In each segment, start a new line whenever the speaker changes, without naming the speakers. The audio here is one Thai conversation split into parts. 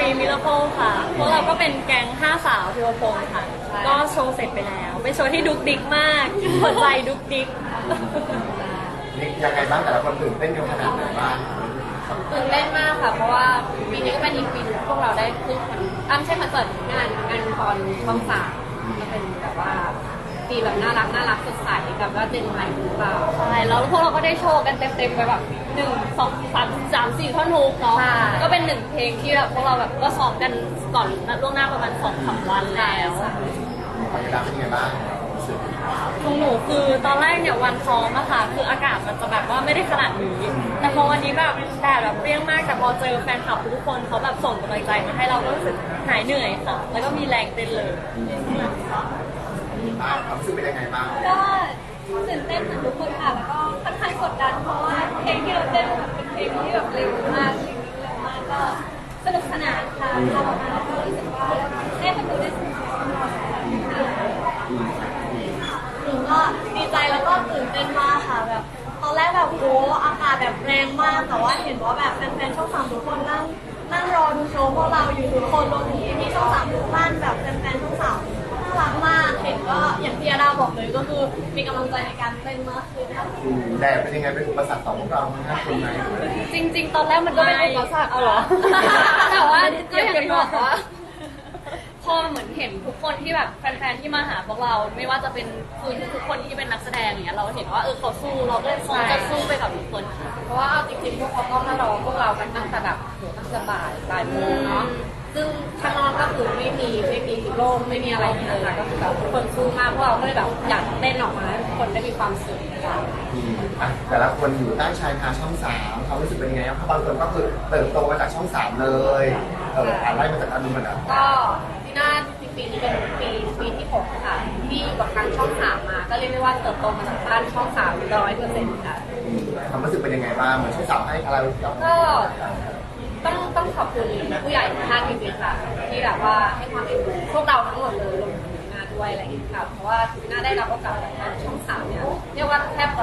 รีมิราเคิลค่ะพวกเราก็เป็นแก๊ง5 สาวพิวพงศ์ค่ะก็โชว์เสร็จไปแล้วเป็นโชว์ที่ดุกดิกมากหัวใจดุกดิก
นี่ยังไงบ้างแต่ละคนตื่นเต้นกันขนาดไหนบ้าง
ตื่นเต้นมากค่ะเพราะว่าปีนี้ก็เป็นอีกปีนึงพวกเราได้ขึ้นไม่ใช่คอนเสิร์ตงานคอนช่อง 3ก็เป็นแบบว่าปีแบบน่ารักสดใสกับว่าเจนใหม่หรือเปล่า
ใช่แล้วพวกเราก็ได้โชว์กันเต็มๆไปแบบ1 2 3 4ท่อนฮุกเนาะก็เป็น1เพลงที่แบบพวกเราแบบก็ซ้อมกันก่อนล่วงหน้าประมาณ2-3 วันแล้ว
บรรยากาศเป็นยังไงบ้าง
ของหนูคือตอนแรกเนี่ยวันซ้อมอะค่ะคืออากาศมันจะแบบว่าไม่ได้ขนาดนี้แต่พอวันนี้แบบแดดแบบเปรี้ยงมากแต่พอเจอแฟนคลับทุกคนเขาแบบส่งกำลังใจมาให้เราก็รู้สึกหายเหนื่อยค่ะแล้วก็มีแรงเต้นเลย
ความรู้สึกเป็นยังไงบ้าง
ก็ตื่นเต้นเหมือนทุกคนค่ะแล้วก็ค่อนข้างกดดันเพราะว่าเพลงที่เราเต้นเป็นเพลงที่แบบเร็วมากเพลงนี้เร็วมากก็สนุกสนานค่ะทำออกมาก็รู้สึกว่าให้คนดูได้สนุกสนานหนูก็ดีใจแล้วก็ตื่นเต้นมากค่ะแบบตอนแรกแบบโอ้อากาศแบบแรงมากแต่ว่าเห็นว่าแบบแฟนๆช่อง 3ทุกคนนั่งรอดูโชว์พวกเราอยู่ทุกคนรวมถึงที่ช่อง 3ทุกท่านแบบแฟนๆช่อง 3น่ารักมากเห็นก็อย่างที่อาดาบอกเลยก็คือมีกำลังใจในการเต้นมากขึ้น
แดดเป็นยังไงเป็นอุปสรรคต่อพวกเราทั้งคนไหม
จริงๆตอนแรกมันก็เป็นอุปสรรคเอาเหรอแต่ว่าก็อย่างที่บอกว่าพอเหมือนเห็นทุกคนที่แบบแฟนๆที่มาหาพวกเราไม่ว่าจะเป็นคือทุกคนที่เป็นนักแสดงอย่างเงี้ยเราเห็นว่าเขาสู้เราก็เลยพร้อมจะสู้ไปกับทุกคน
เพราะว่าเอาจริงๆพวกเขาก็มารอพวกเรากันตั้งแต่แบบตั้งแต่บ่ายโมงเนาะซึ่งข้างนอกก็คือไม่มีโล่งไม่มีอะไรเลยค่ะก็คือแบบทุกคนสู้มากพวกเราก็เลยแบบอยากเต้นออกมาให้ทุกคนได้มีความสุขค่ะ
แต่ละคนอยู่ใต้ชายคาช่อง 3เขารู้สึกเป็นยังไงครับบางคนก็คือเติบโตมาจากช่อง 3เลยไล่มาจากอันนู้นมัน
ก็ที่น่าปีนี้เป็นปีที่6ค่ะที่อยู่กับทางช่อง 3มาก็เรียกได้ว่าเติบโตมาจากบ้านช่อง 300%ค่ะ
ความรู้สึกเป็นยังไงบ้างเหมือนช่อง 3ให้อะไร
ก็ต้องขอบคุณผู้ใหญ่ทุกท่านจริงๆค่ะที่แบบว่าให้ความเอ็นดูพวกเราทั้งหมดเลยรวมถึงหน้าด้วยอะไรอย่างเงี้ยค่ะเพราะว่าถึงหน้าได้รับโอกาสจากทางช่อง 3เนี่ยเรียกว่าแทบ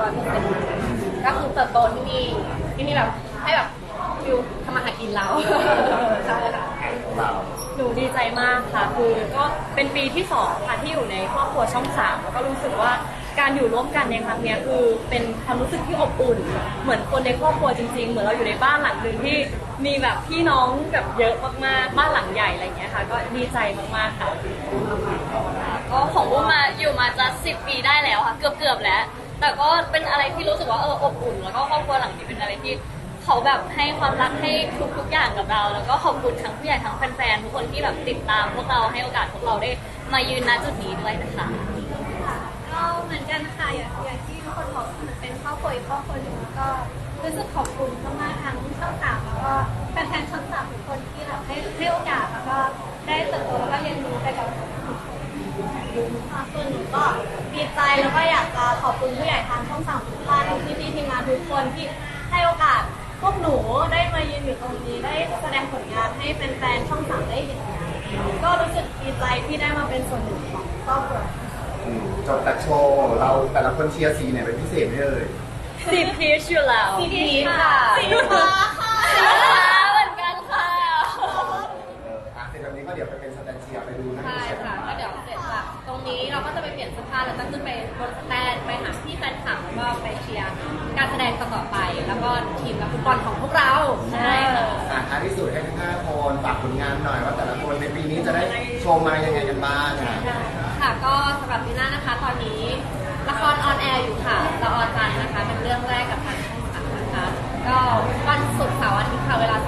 100%ก็คือเติบโตที่นี่แบบให้แบบฟิวทำมาหากินเราใช่ค่ะ
หนูดีใจมากค่ะคือก็เป็นปีที่2ค่ะที่อยู่ในครอบครัวช่อง 3แล้วก็รู้สึกว่าการอยู่ร่วมกันในครั้งนี้คือเป็นความรู้สึกที่อบอุ่นเหมือนคนในครอบครัวจริงๆเหมือนเราอยู่ในบ้านหลังนึงที่มีแบบพี่น้องแบบเยอะมากๆบ้านหลังใหญ่อะไรอย่างเงี้ยค่ะก็ดีใจมากๆค่ะก็ของอุ้มมาอยู่มาจะ10 ปีได้แล้วค่ะเกือบแล้วแต่ก็เป็นอะไรที่รู้สึกว่าอบอุ่นแล้วก็ครอบครัวหลังนี้เป็นอะไรที่เขาแบบให้ความรักให้ทุกอย่างกับเราแล้วก็ขอบคุณทั้งผู้ใหญ่ทั้งแฟนๆทุกคนที่แบบติดตามพวกเราให้โอกาสพวกเราได้มายืนณจุดนี้ด้วยนะคะ
ก็เหมือนกันค่ะอย่างที่ทุกคนบอกมันเป็นครอบครัวอีกครอบครัวหนึ่งก็รู้สึกขอบคุณมากๆทั้งช่อง 3แล้วก็แฟนๆช่อง 3ทุกคนที่เราให้โอกาสแล้วก็ได้เติบโตแล้วก็เรียนรู้ไปกับทุกคนส่วนหนูก็ดีใจแล้วก็อยากจะขอบคุณผู้ใหญ่ทางช่อง 3ทุกท่านที่ทีมงานทุกคนที่ให้โอกาสพวกหนูได้มายืนอยู่ตรงนี้ได้แสดงผลงานให้แฟนๆช่อง 3ได้เห็นก็รู้สึกดีใจที่ได้มาเป็นส่วนหนึ่งของครอบครัว
จบจากโชว์เราแต่ละคนเชียร์สีไหนเป็นพิเศษไหม
สีพีชอยู่แล้ว
สีพีชค่ะ
สีฟ้าค่ะสีฟ้าเหมือนกันค่ะ
เสร็จแบบนี้ก็เดี๋ยวไปเป็นสแตนเชียร์ไปดูนะ
ใช่ค่ะก็เดี๋ยวเสร็จจากตรงนี้เราก็จะไปเปลี่ยนเสื้อผ้าแล้วก็ขึ้นไปบนสแตนไปหาที่แฟนคลับแล้วก็ไปเชียร์การแสดงต่อไปแล้วก็ทีมนักฟุตบอลของพวกเรา
ใช่
ท้ายที่สุดให้ทั้ง5คนฝากผลงานหน่อยว่าแต่ละคนในปีนี้จะได้โชว์มายังไงกันบ้าง
ค่ะก็สำหรับปีหน้านะคะตอนนี้ละครออนแอร์อยู่ค่ะละออนจันทร์นะคะเป็นเรื่องแรกกับทางช่อง 3นะคะก็วันศุกร์เสาร์อาทิตย์ค่ะเวลา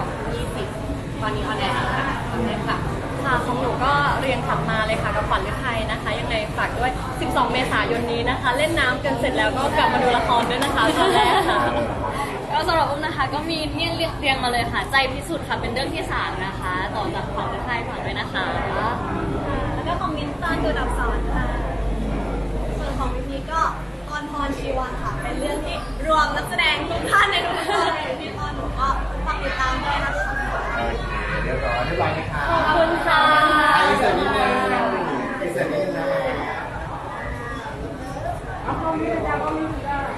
20:20 ตอนนี้ออนแอร์ค่ะตอนนี้ค่ะ
ของหนูก็เรียนขับมาเลยค่ะกับขวัญฤทัยนะคะยังไงฝากด้วย12 เมษายนนี้นะคะเล่นน้ำกันเสร็จแล้วก็กลับมาดูละครด้วยนะคะตอนแรกค่ะก็สำหรับอุ้มนะคะก็มีเนี่ยเรียงมาเลยค่ะใจพิสุทธิ์ค่ะเป็นเรื่องที่3นะคะต่อจากขวัญฤทัยฝากด้วยนะคะ
แล้วก็ของมินตอนคือดับสอนค่ะส่วนของมินนี่ก็ออนพรชีวันค่ะเป็นเรื่องที่รวมนักแสดงทุกท่านในทุกคนที่ตอนหนูก็ฝากติดตามด้วยนะคะ
โอเคเรียบร้อยนะคะ
ขอบคุณค่ะ
พิเศษนิดนึงพิเศษนิดนึง